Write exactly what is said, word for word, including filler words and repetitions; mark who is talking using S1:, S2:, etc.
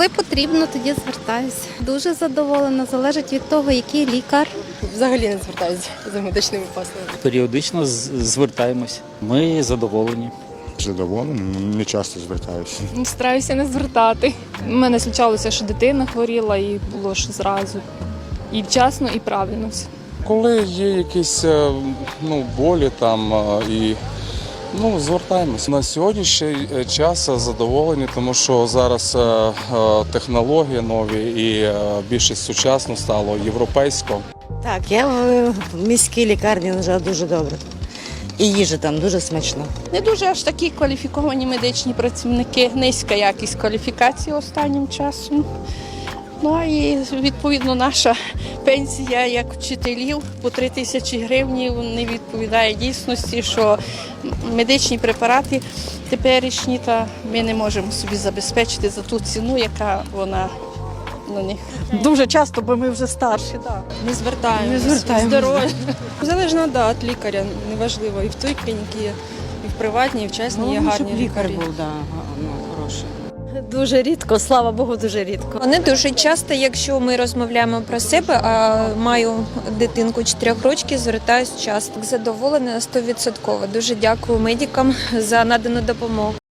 S1: Коли потрібно, тоді звертаюся. Дуже задоволена, залежить від того, який лікар.
S2: Взагалі не звертаюся за медичними послугами.
S3: Періодично з- звертаємось. Ми задоволені.
S4: Задоволений, не часто звертаюся.
S5: Стараюся не звертати. У мене случалося, що дитина хворіла і було ж зразу. І вчасно, і правильно все.
S6: Коли є якісь е, ну, болі там е, і ну, звертаємось. На сьогоднішній час задоволені, тому що зараз е, е, технології нові і е, більш сучасно стало європейсько.
S7: Так, я в міській лікарні лежала дуже добре. І їжа там дуже смачна.
S8: Не дуже аж такі кваліфіковані медичні працівники, низька якість кваліфікації останнім часом. Ну і відповідно наша пенсія як вчителів по три тисячі гривень не відповідає дійсності, що медичні препарати теперішні та ми не можемо собі забезпечити за ту ціну, яка вона на них.
S2: Дуже часто, бо ми вже старші. Так.
S5: Не звертаємося.
S2: Не звертаємося.
S5: Здоров'я.
S9: Залежно да, від лікаря, неважливо. І в той клініці є, і в приватній, і в частній є гарні лікарі.
S7: да, ну, хороший.
S2: Дуже рідко, слава Богу, дуже рідко.
S10: Не дуже часто, якщо ми розмовляємо про себе, а маю дитинку чотирьох років, звертаюся часто. Задоволена сто відсотків. Дуже дякую медикам за надану допомогу.